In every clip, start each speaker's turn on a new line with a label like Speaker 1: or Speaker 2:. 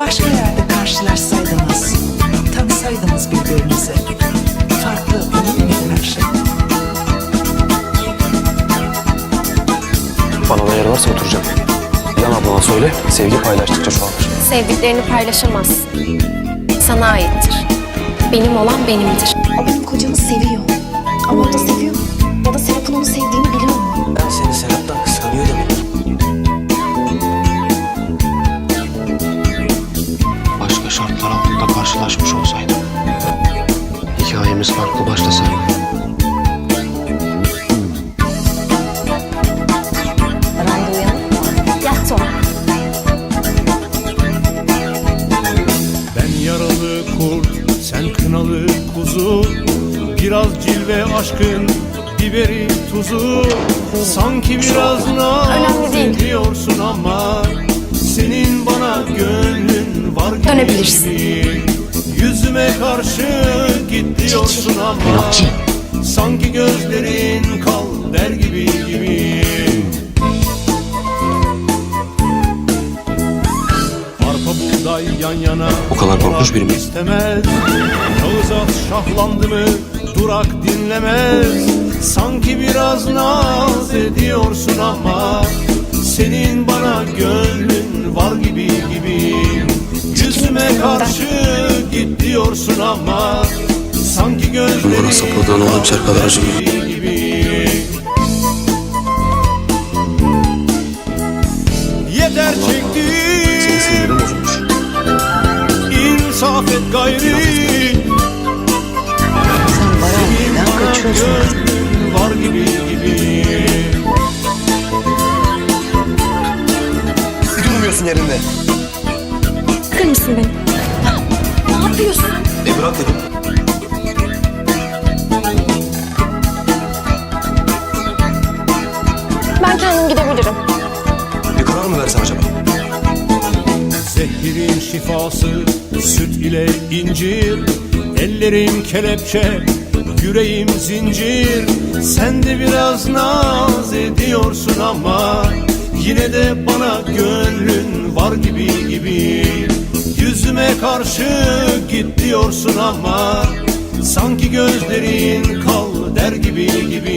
Speaker 1: başka yerde karşılaşsaydınız, tanısaydınız birbirinizi, farklı olur muydu her şey?
Speaker 2: Bana da yer varsa oturacağım. Yan ablana söyle, sevgi paylaştıkça çoğalır.
Speaker 3: Sevdiklerini paylaşamaz. Sana aittir. Benim olan benimdir.
Speaker 4: O benim kocamı seviyor. Ama o da seviyor mu? Ya da Serap'ın onu sevdiğini biliyor mu?
Speaker 2: Ben seni Serap'tan kıskanıyor demek. Başka şartlar altında karşılaşmış olsaydık, hikayemiz farklı başlasaydı.
Speaker 4: Randa uyanık mı? Yattı o.
Speaker 5: Ben yaralı kurt, sen kınalı kuzu. Biraz cilve aşkın, biberi tuzu. Sanki biraz naz ediyorsun ama senin bana gönlün var gibi.
Speaker 3: Dönebilirsin.
Speaker 5: Yüzüme karşı git diyorsun ama sanki gözlerin kal der gibi. Arpa buğday yan yana,
Speaker 2: O kadar korkmuş biri mi?
Speaker 5: istemez. Kağıt at şahlandı mı durak dinlemez. Sanki biraz naz ediyorsun ama senin bana gönlün var gibi. Yüzüme karşı git diyorsun ama sanki gözlerin
Speaker 2: Bana sapladığın o hançer kadar acımıyor.
Speaker 5: Yeter
Speaker 2: Senin
Speaker 5: çektim,
Speaker 2: sinirin bozulmuş.
Speaker 5: insaf et gayri.
Speaker 1: Sen Baran, kaçıyorsun.
Speaker 5: Gönlün var gibi.
Speaker 2: Durmuyorsun yerinde.
Speaker 3: Bırakır mısın beni?
Speaker 4: Ne yapıyorsun?
Speaker 2: Bırak dedim.
Speaker 3: Ben kendim gidebilirim.
Speaker 2: Bir karar mı versen acaba?
Speaker 5: Zehirin şifası süt ile incir. Ellerim kelepçe, yüreğim zincir. Sen de biraz naz ediyorsun ama yine de bana gönlün var gibi. Yüzüme karşı git diyorsun ama sanki gözlerin kal der gibi.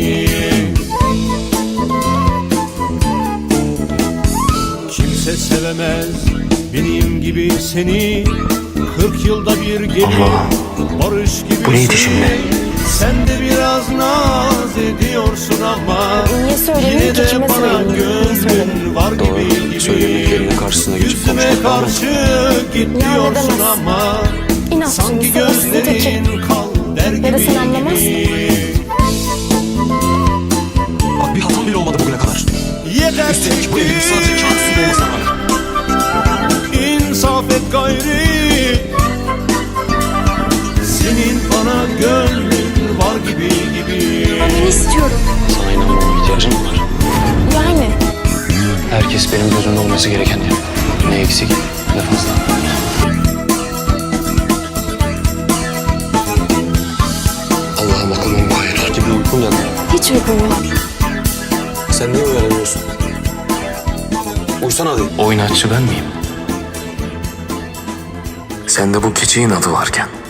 Speaker 5: Kimse sevemez benim gibi seni. 40 yılda bir gelir
Speaker 2: Allah!
Speaker 5: barış gibi.
Speaker 2: Bu neydi şimdi?
Speaker 5: Sen de biraz naz ediyorsun ama
Speaker 3: Niye söylemedin
Speaker 5: yine
Speaker 3: ki?
Speaker 5: de
Speaker 3: Kime
Speaker 5: bana
Speaker 3: söyledin? Niye söyledin?
Speaker 5: gönlün var gibi.
Speaker 2: Söylemeklerinin karşısına geçip
Speaker 5: Yüzüme
Speaker 2: konuşmaktan mı?
Speaker 5: karşı git
Speaker 3: Ya
Speaker 5: diyorsun
Speaker 3: edemez.
Speaker 5: ama
Speaker 3: İnatçı,
Speaker 5: sanki
Speaker 3: sabırsız teki.
Speaker 5: gözlerin kal der gibi.
Speaker 3: Ya da sen anlamaz.
Speaker 2: Bak bir hatam bile olmadı bugüne kadar.
Speaker 5: Yeter
Speaker 2: Üstelik bu evin sadece kağıt üstünde olmasına rağmen.
Speaker 5: İnsaf et gayri. Senin bana gönlün var gibi.
Speaker 3: Ben istiyorum.
Speaker 2: Sana inanmama ihtiyacım mı var?
Speaker 3: Yani.
Speaker 2: Herkes benim gözümde olması gereken yer. Ne eksik ne fazla. Allah'ım aklıma hayır gibi uykum geldi.
Speaker 3: Hiç uykum yok.
Speaker 2: Sen niye uyanamıyorsun? Uysana hadi. Oynatçı ben miyim? Sende bu keçi inadı varken